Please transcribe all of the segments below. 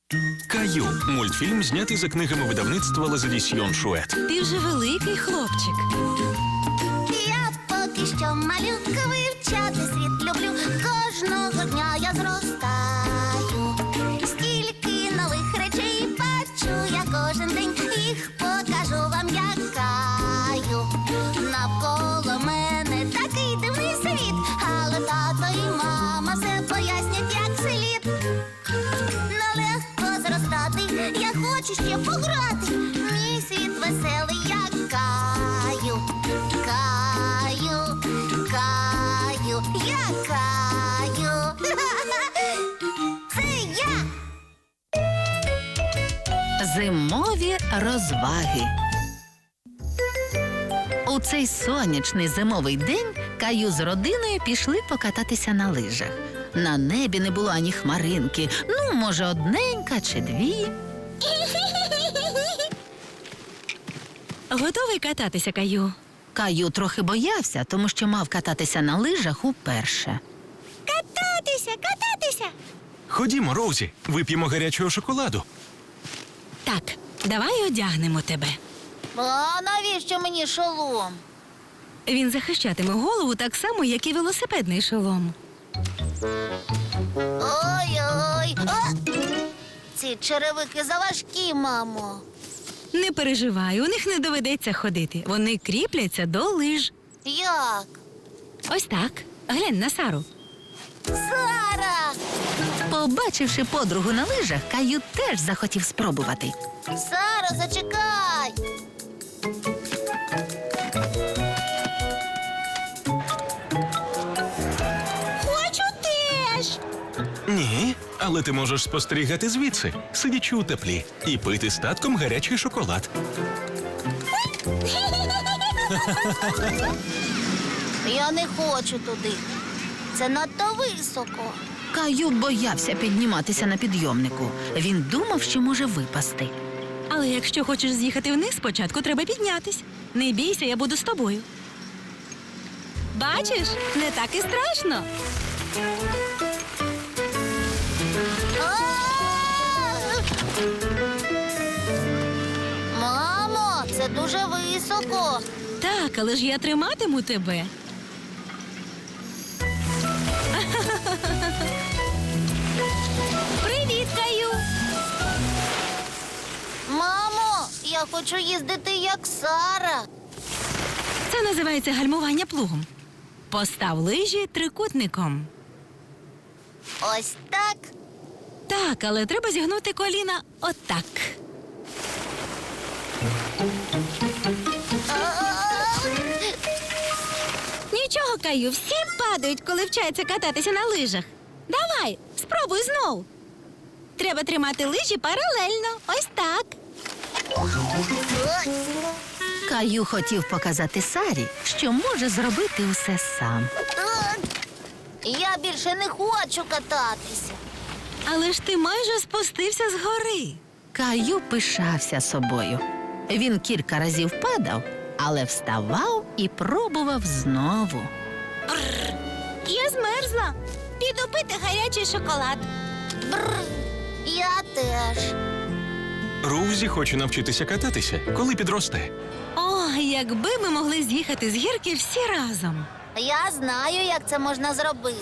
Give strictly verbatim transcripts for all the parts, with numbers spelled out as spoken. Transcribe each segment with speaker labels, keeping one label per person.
Speaker 1: Каю – мультфільм, знятий за книгами видавництва Лазадісьйон Шует.
Speaker 2: Ти вже великий хлопчик.
Speaker 3: Я поки що малюка, вивчати світ люблю. Кожного дня я зростаю. Стільки нових речей бачу я кожен день. Їх покажу вам, як Каю. Навколо мене такий дивний світ, але тато і мама все пояснять, як слід. Нелегко зростати, я хочу ще пограти. Мій світ веселий, як Каю. Каю, Каю, я Каю. Це я.
Speaker 2: Зимові розваги. У цей сонячний зимовий день Каю з родиною пішли покататися на лижах. На небі не було ані хмаринки, ну, може, одненька чи дві. Готовий кататися, Каю? Каю трохи боявся, тому що мав кататися на лижах уперше.
Speaker 3: Кататися, кататися.
Speaker 1: Ходімо, Роузі, вип'ємо гарячого шоколаду.
Speaker 2: Так, давай одягнемо тебе.
Speaker 3: А навіщо мені шолом?
Speaker 2: Він захищатиме голову так само, як і велосипедний шолом.
Speaker 3: Ой-ой. А! Ці черевики заважкі, мамо.
Speaker 2: Не переживай, у них не доведеться ходити. Вони кріпляться до лиж.
Speaker 3: Як?
Speaker 2: Ось так. Глянь на Сару.
Speaker 3: Сара!
Speaker 2: Побачивши подругу на лижах, Каю теж захотів спробувати.
Speaker 3: Сара, зачекай! Хочу теж!
Speaker 1: Ні, але ти можеш спостерігати звідси, сидячи у теплі, і пити з татком гарячий шоколад.
Speaker 3: Я не хочу туди. Це надто високо.
Speaker 2: Каю боявся підніматися на підйомнику. Він думав, що може випасти. Але якщо хочеш з'їхати вниз, спочатку треба піднятись. Не бійся, я буду з тобою. Бачиш, не так і страшно.
Speaker 3: А! Мамо, це дуже високо.
Speaker 2: Так, але ж я триматиму тебе. Привіт, Каю!
Speaker 3: Мамо, я хочу їздити як Сара.
Speaker 2: Це називається гальмування плугом. Постав лижі трикутником.
Speaker 3: Ось так.
Speaker 2: Так, але треба зігнути коліна отак. Нічого, Каю, всі падають, коли вчаться кататися на лижах. Давай, спробуй знов. Треба тримати лижі паралельно. Ось так. Каю хотів показати Сарі, що може зробити усе сам.
Speaker 3: Я більше не хочу кататися.
Speaker 2: Але ж ти майже спустився з гори. Каю пишався собою. Він кілька разів падав, але вставав і пробував знову.
Speaker 3: Я змерзла. Піду пити гарячий шоколад. Бррр. Я теж.
Speaker 1: Роузі хоче навчитися кататися, коли підросте.
Speaker 2: О, якби ми могли з'їхати з гірки всі разом.
Speaker 3: Я знаю, як це можна зробити.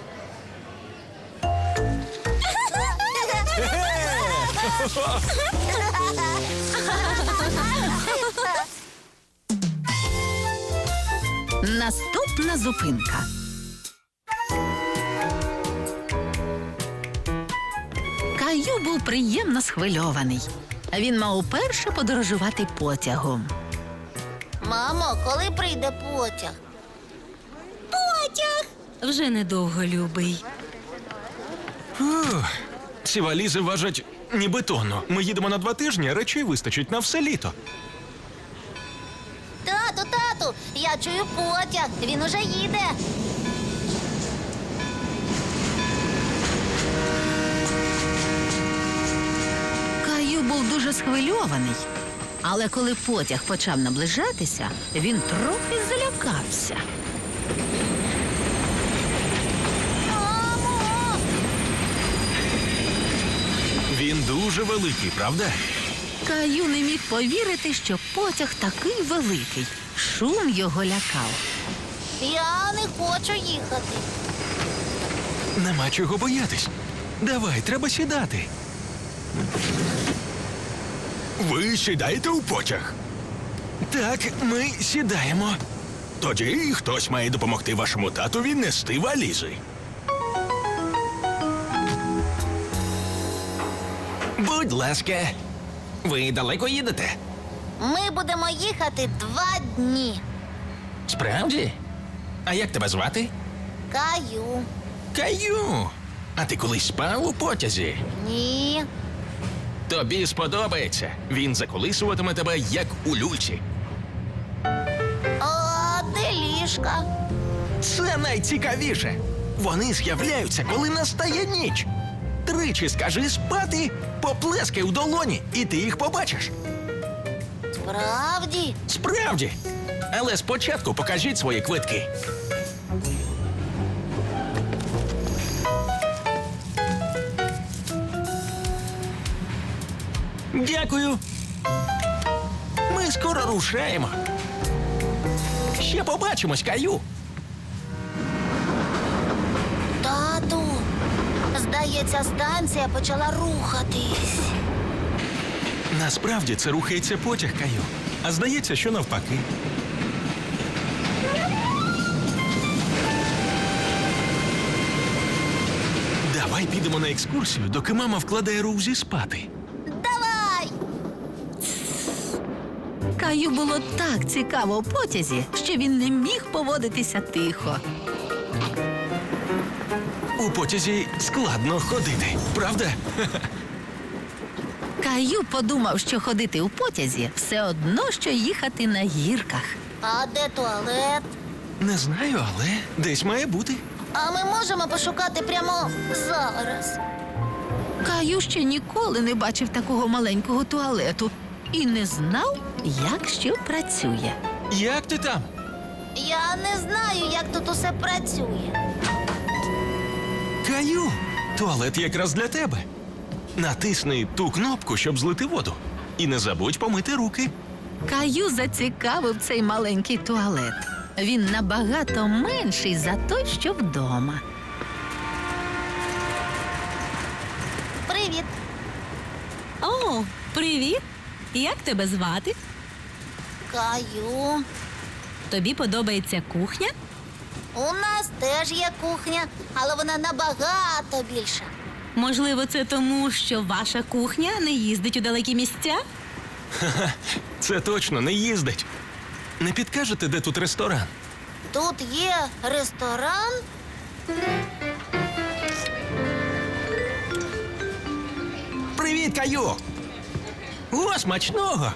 Speaker 2: Наступна зупинка. Каю був приємно схвильований. Він мав уперше подорожувати потягом.
Speaker 3: Мамо, коли прийде потяг? Потяг!
Speaker 2: Вже недовго, любий.
Speaker 1: Фух, ці валізи важать ніби тонну. Ми їдемо на два тижні, речей вистачить на все літо.
Speaker 3: Тату, тату, я чую потяг. Він уже їде.
Speaker 2: Каю був дуже схвильований. Але коли потяг почав наближатися, він трохи залякався.
Speaker 3: Мамо!
Speaker 1: Він дуже дуже великий, правда?
Speaker 2: Каю не міг повірити, що потяг такий великий. Шум його лякав.
Speaker 3: Я не хочу їхати.
Speaker 1: Нема чого боятись. Давай, треба сідати. Ви сідаєте у потяг? Так, ми сідаємо. Тоді хтось має допомогти вашому татові нести валізи. Будь ласка, ви далеко їдете?
Speaker 3: Ми будемо їхати два дні.
Speaker 1: Справді? А як тебе звати?
Speaker 3: Каю.
Speaker 1: Каю. А ти колись спав у потязі?
Speaker 3: Ні.
Speaker 1: Тобі сподобається. Він заколисуватиме тебе, як у люльці.
Speaker 3: А де ліжка?
Speaker 1: Це найцікавіше. Вони з'являються, коли настає ніч. Тричі скажи спати, поплескай у долоні, і ти їх побачиш.
Speaker 3: Справді?
Speaker 1: Справді. Але спочатку покажіть свої квитки. Дякую. Ми скоро рушаємо. Ще побачимось, Каю.
Speaker 3: Тату, здається, станція почала рухатись.
Speaker 1: Насправді це рухається потяг, Каю. А здається, що навпаки. Давай підемо на екскурсію, доки мама вкладає Роузі спати.
Speaker 3: Давай!
Speaker 2: Каю було так цікаво у потязі, що він не міг поводитися тихо.
Speaker 1: У потязі складно ходити, правда?
Speaker 2: Каю подумав, що ходити у потязі все одно, що їхати на гірках.
Speaker 3: А де туалет?
Speaker 1: Не знаю, але десь має бути.
Speaker 3: А ми можемо пошукати прямо зараз.
Speaker 2: Каю ще ніколи не бачив такого маленького туалету і не знав, як що працює.
Speaker 1: Як ти там?
Speaker 3: Я не знаю, як тут усе працює.
Speaker 1: Каю, туалет якраз для тебе. Натисни ту кнопку, щоб злити воду. І не забудь помити руки.
Speaker 2: Каю зацікавив цей маленький туалет. Він набагато менший за той, що вдома.
Speaker 3: Привіт.
Speaker 4: О, привіт! Як тебе звати?
Speaker 3: Каю.
Speaker 4: Тобі подобається кухня?
Speaker 3: У нас теж є кухня, але вона набагато більша.
Speaker 4: Можливо, це тому, що ваша кухня не їздить у далекі місця?
Speaker 1: Це точно не їздить. Не підкажете, де тут ресторан?
Speaker 3: Тут є ресторан.
Speaker 1: Привіт, Каю! О, смачного!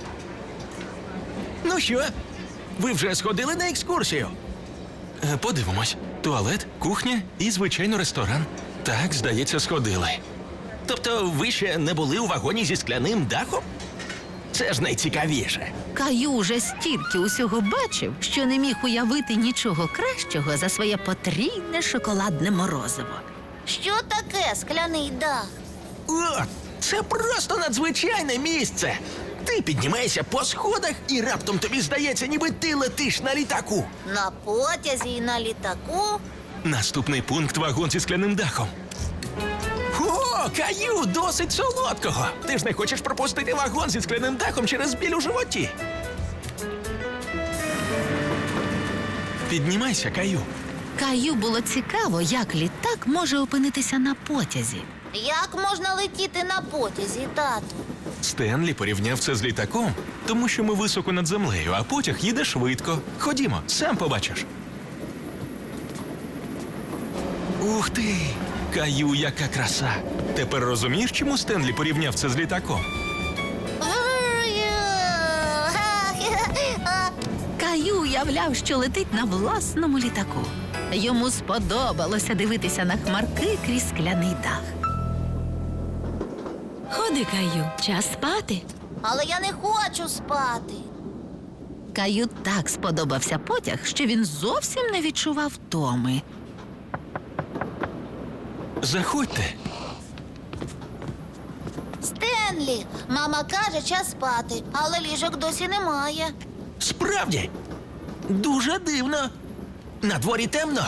Speaker 1: Ну що, ви вже сходили на екскурсію? Е, Подивимось. Туалет, кухня і, звичайно, ресторан. Так, здається, сходили. Тобто ви ще не були у вагоні зі скляним дахом? Це ж найцікавіше.
Speaker 2: Каю уже стільки усього бачив, що не міг уявити нічого кращого за своє потрійне шоколадне морозиво.
Speaker 3: Що таке скляний дах?
Speaker 1: О, це просто надзвичайне місце. Ти піднімаєшся по сходах і раптом тобі здається, ніби ти летиш на літаку.
Speaker 3: На потязі і на літаку.
Speaker 1: Наступний пункт — вагон зі скляним дахом. О, Каю, досить солодкого. Ти ж не хочеш пропустити вагон зі скляним дахом через біль у животі. Піднімайся, Каю.
Speaker 2: Каю було цікаво, як літак може опинитися на потязі.
Speaker 3: Як можна летіти на потязі, тату?
Speaker 1: Стенлі порівняв це з літаком, тому що ми високо над землею, а потяг їде швидко. Ходімо, сам побачиш. Ух ти! Каю, яка краса! Тепер розумієш, чому Стенлі порівняв це з літаком?
Speaker 2: Каю уявляв, що летить на власному літаку. Йому сподобалося дивитися на хмарки крізь скляний дах.
Speaker 4: Ходи, Каю, час спати.
Speaker 3: Але я не хочу спати.
Speaker 2: Каю так сподобався потяг, що він зовсім не відчував втоми.
Speaker 1: Заходьте.
Speaker 3: Стенлі, мама каже, час спати, але ліжок досі немає.
Speaker 1: Справді, дуже дивно. На дворі темно.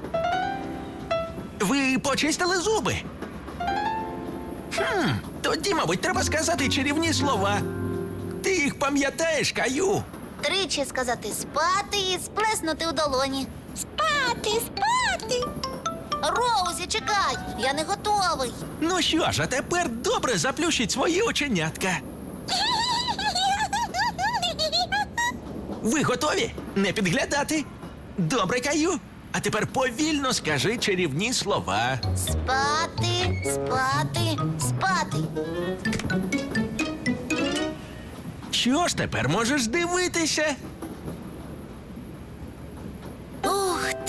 Speaker 1: Ви почистили зуби? Хм, тоді, мабуть, треба сказати чарівні слова. Ти їх пам'ятаєш, Каю?
Speaker 3: Тричі сказати спати і сплеснути у долоні. Спати, спати. Роузі, чекай, я не готовий.
Speaker 1: Ну що ж, а тепер добре заплющіть свої оченятка. Ви готові? Не підглядати? Добре, Каю. А тепер повільно скажи чарівні слова.
Speaker 3: Спати, спати, спати.
Speaker 1: Що ж тепер можеш дивитися?
Speaker 3: Ух ти!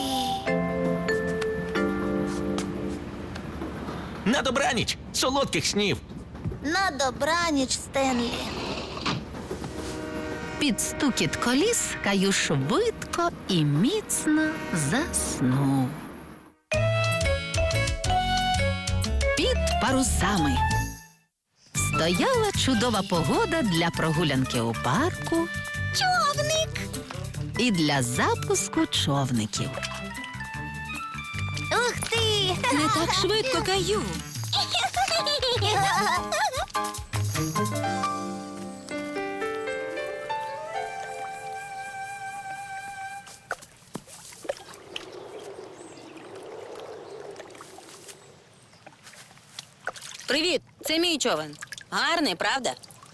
Speaker 1: На добраніч! Солодких снів!
Speaker 3: На добраніч, Стенлі.
Speaker 2: Під стукіт коліс Каю швидко і міцно заснув. Під парусами. Стояла чудова погода для прогулянки у парку
Speaker 3: Човник!
Speaker 2: і для запуску човників.
Speaker 3: Ух ти!
Speaker 4: Не так швидко, Каю.
Speaker 5: Привіт, це мій човен. Гарний, правда?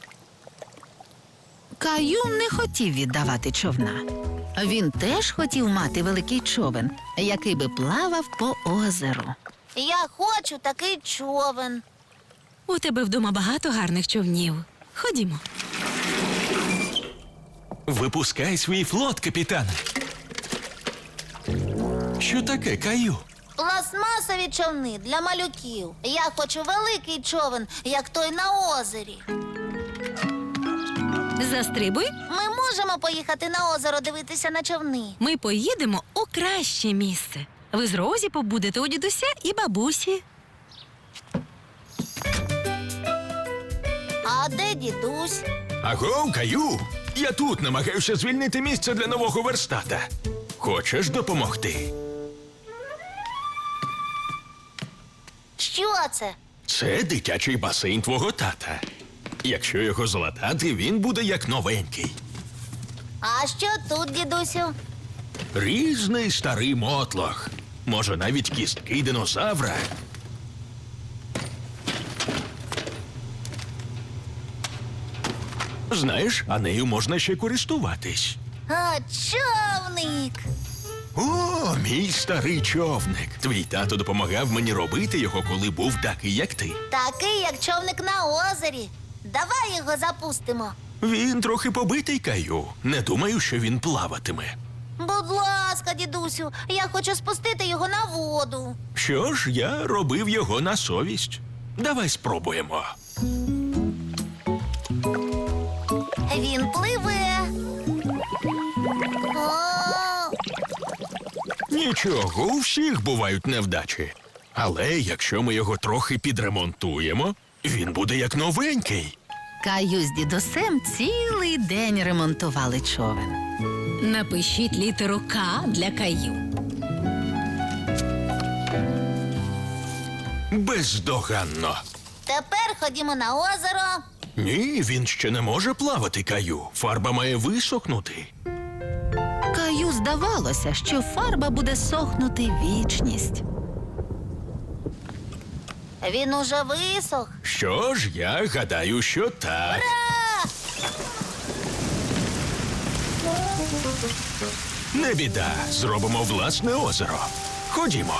Speaker 2: Каю не хотів віддавати човна. Він теж хотів мати великий човен, який би плавав по озеру.
Speaker 3: Я хочу такий човен.
Speaker 4: У тебе вдома багато гарних човнів. Ходімо.
Speaker 1: Випускай свій флот, капітане. Що таке, Каю?
Speaker 3: Пластмасові човни для малюків. Я хочу великий човен, як той на озері.
Speaker 4: Застрибуй.
Speaker 3: Ми можемо поїхати на озеро дивитися на човни.
Speaker 4: Ми поїдемо у краще місце. Ви з Розі побудете у дідуся і бабусі.
Speaker 3: А де дідусь?
Speaker 1: Аго, Каю! Я тут намагаюся звільнити місце для нового верстата. Хочеш допомогти?
Speaker 3: Що це?
Speaker 1: Це дитячий басейн твого тата. Якщо його залатати, він буде як новенький.
Speaker 3: А що тут, дідусю?
Speaker 1: Різний старий мотлох. Може, навіть кістки динозавра. Знаєш, а нею можна ще користуватись.
Speaker 3: А, човник!
Speaker 1: О, мій старий човник. Твій тато допомагав мені робити його, коли був такий, як ти.
Speaker 3: Такий, як човник на озері. Давай його запустимо.
Speaker 1: Він трохи побитий, Каю. Не думаю, що він плаватиме.
Speaker 3: Будь ласка, дідусю, я хочу спустити його на воду.
Speaker 1: Що ж, я робив його на совість. Давай спробуємо.
Speaker 3: Він пливе. О,
Speaker 1: Нічого, у всіх бувають невдачі. Але якщо ми його трохи підремонтуємо, він буде як новенький.
Speaker 2: Каю з дідусем цілий день ремонтували човен.
Speaker 4: Напишіть літеру К для Каю.
Speaker 1: Бездоганно.
Speaker 3: тепер ходімо на озеро.
Speaker 1: Ні, він ще не може плавати, Каю. Фарба має висохнути.
Speaker 2: Каю здавалося, що фарба буде сохнути вічність.
Speaker 3: Він уже висох.
Speaker 1: Що ж, я гадаю, що так. Не біда, зробимо власне озеро. Ходімо.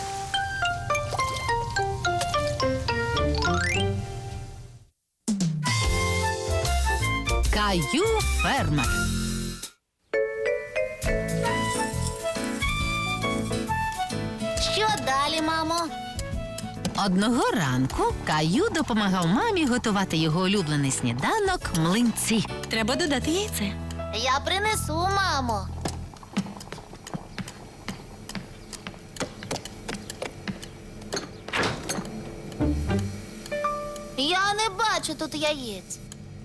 Speaker 2: Каю фермер.
Speaker 3: Що далі, мамо?
Speaker 2: Одного ранку Каю допомагав мамі готувати його улюблений сніданок млинці.
Speaker 4: Треба додати яйце.
Speaker 3: Я принесу, мамо. Я не бачу тут яєць.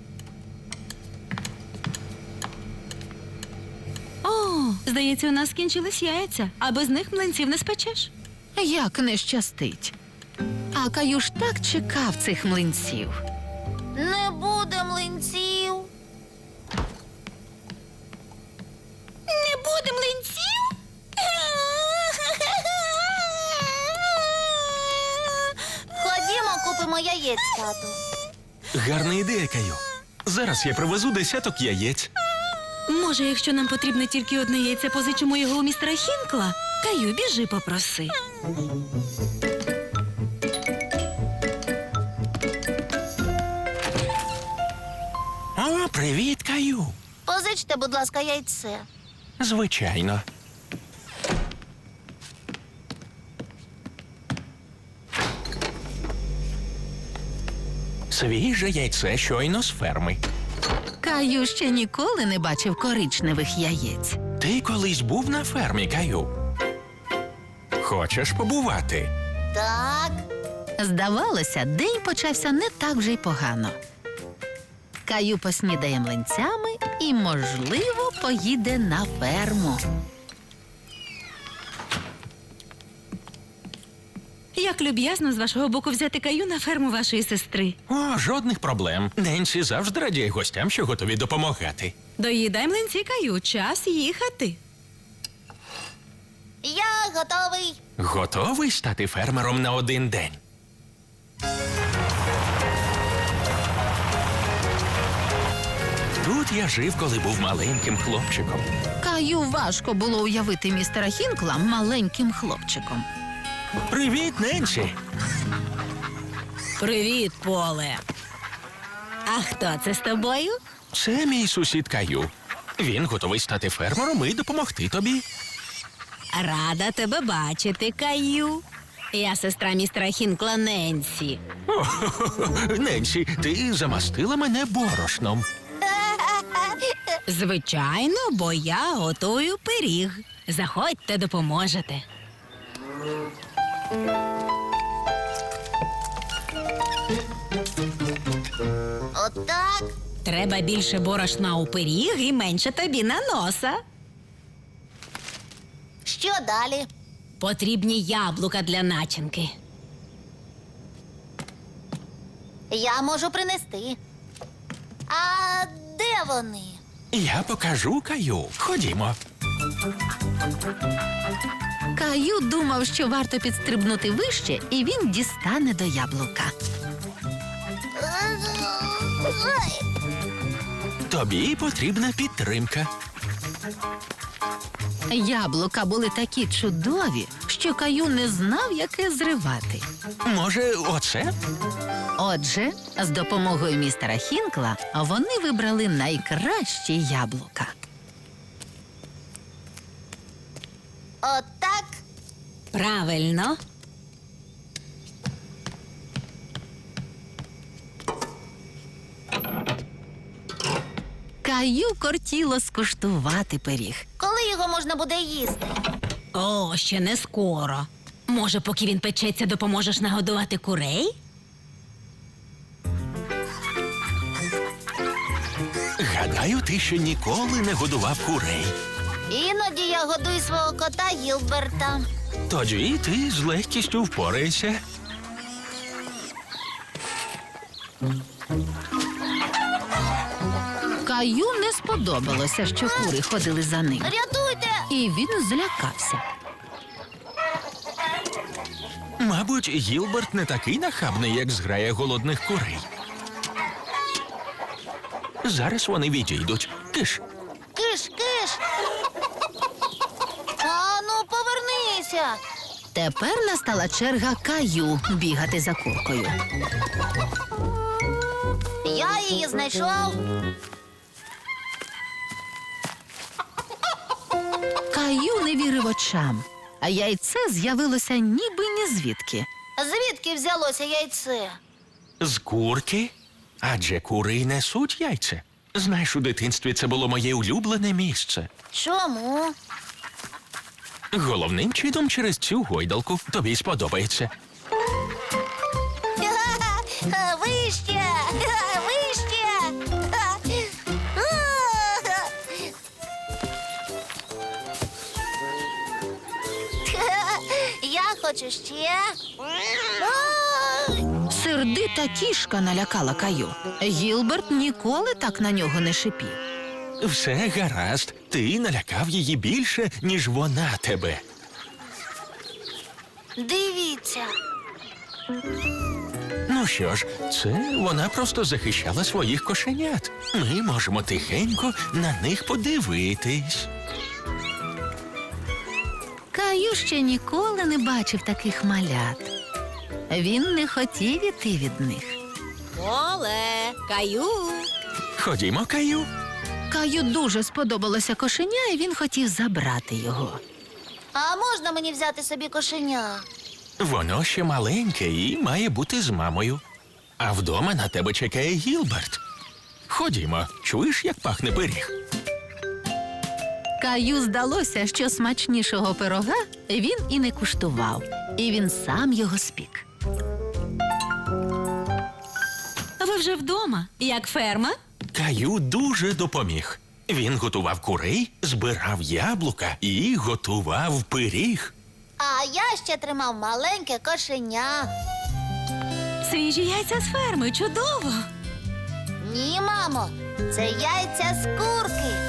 Speaker 4: О, здається, у нас скінчились яйця, а без них млинців не спечеш.
Speaker 2: Як не щастить. А Каю ж так чекав цих млинців.
Speaker 3: Не буде млинців.
Speaker 4: Не буде млинців?
Speaker 3: Ходімо, купимо яєць, тату.
Speaker 1: Гарна ідея, Каю. Зараз я привезу десяток яєць.
Speaker 4: Може, якщо нам потрібно тільки одне яйце, позичимо його у містера Хінкла? Каю, біжи попроси.
Speaker 1: О, привіт, Каю.
Speaker 3: Позичте, будь ласка, яйце.
Speaker 1: Звичайно. Свіже яйце щойно з ферми.
Speaker 2: Каю ще ніколи не бачив коричневих яєць.
Speaker 1: Ти колись був на фермі, Каю? Хочеш побувати?
Speaker 3: Так.
Speaker 2: Здавалося, день почався не так вже й погано. Каю поснідає млинцями і, можливо, поїде на ферму.
Speaker 4: Як люб'язно з вашого боку взяти Каю на ферму вашої сестри.
Speaker 1: О, жодних проблем. Ненсі завжди радіє гостям, що готові допомагати.
Speaker 4: Доїдай млинці, Каю, час їхати.
Speaker 3: Я готовий.
Speaker 1: Готовий стати фермером на один день? Тут я жив, коли був маленьким хлопчиком.
Speaker 2: Каю важко було уявити містера Хінкла маленьким хлопчиком.
Speaker 1: Привіт, Ненсі!
Speaker 4: Привіт, Поле. А хто це з тобою?
Speaker 1: Це мій сусід Каю. Він готовий стати фермером і допомогти тобі.
Speaker 4: Рада тебе бачити, Каю. Я сестра містера Хінкла Ненсі.
Speaker 1: О, Ненсі, ти замастила мене борошном.
Speaker 4: Звичайно, бо я готую пиріг. Заходьте, допоможете.
Speaker 3: Отак.
Speaker 4: Треба більше борошна у пиріг і менше тобі на носа.
Speaker 3: Що далі?
Speaker 4: Потрібні яблука для начинки.
Speaker 3: Я можу принести. А де вони?
Speaker 1: Я покажу Каю. Ходімо.
Speaker 2: Каю думав, що варто підстрибнути вище, і він дістане до яблука.
Speaker 3: Ой,
Speaker 1: Тобі потрібна підтримка.
Speaker 2: Яблука були такі чудові, що Каю не знав, яке зривати.
Speaker 1: Може, оце?
Speaker 2: Отже, з допомогою містера Хінкла вони вибрали найкращі яблука.
Speaker 3: Отак.
Speaker 4: Правильно.
Speaker 2: Каю кортіло скуштувати пиріг.
Speaker 3: Коли його можна буде їсти?
Speaker 4: О, ще не скоро. Може, поки він печеться, допоможеш нагодувати курей?
Speaker 1: Гадаю, ти ще ніколи не годував курей.
Speaker 3: Іноді я годую свого кота Гілберта.
Speaker 1: Тоді ти з легкістю впораєшся.
Speaker 2: Каю не сподобалося, що кури ходили за ним,
Speaker 3: Рятуйте!
Speaker 2: і він злякався.
Speaker 1: Мабуть, Гілберт не такий нахабний, як зграя голодних курей. Зараз вони відійдуть. Киш.
Speaker 3: Киш, киш! А ну, повернися!
Speaker 2: Тепер настала черга Каю бігати за куркою.
Speaker 3: Я її знайшов.
Speaker 2: Каю не вірив очам, а яйце з'явилося ніби ні звідки.
Speaker 3: Звідки взялося яйце?
Speaker 1: З курки? Адже кури й несуть яйця. Знаєш, у дитинстві це було моє улюблене місце.
Speaker 3: Чому?
Speaker 1: Головним чином через цю гойдалку. Тобі сподобається.
Speaker 3: Ви хочу ще. Ай!
Speaker 2: Сердита кішка налякала Каю. Гілберт ніколи так на нього не шипів.
Speaker 1: Все гаразд. Ти налякав її більше, ніж вона тебе.
Speaker 3: Дивіться.
Speaker 1: Ну що ж, це вона просто захищала своїх кошенят. Ми можемо тихенько на них подивитись.
Speaker 2: Каю ще ніколи не бачив таких малят. Він не хотів іти від них.
Speaker 5: Оле, Каю.
Speaker 1: Ходімо, Каю.
Speaker 2: Каю дуже сподобалося кошеня, і він хотів забрати його.
Speaker 3: А можна мені взяти собі кошеня?
Speaker 1: Воно ще маленьке і має бути з мамою. А вдома на тебе чекає Гілберт. Ходімо, чуєш, як пахне пиріг?
Speaker 2: Каю здалося, що смачнішого пирога він і не куштував, і він сам його спік.
Speaker 4: Ви вже вдома, як ферма?
Speaker 1: Каю дуже допоміг. Він готував курей, збирав яблука і готував пиріг.
Speaker 3: А я ще тримав маленьке кошеня.
Speaker 4: Свіжі яйця з ферми, чудово!
Speaker 3: Ні, мамо, це яйця з курки.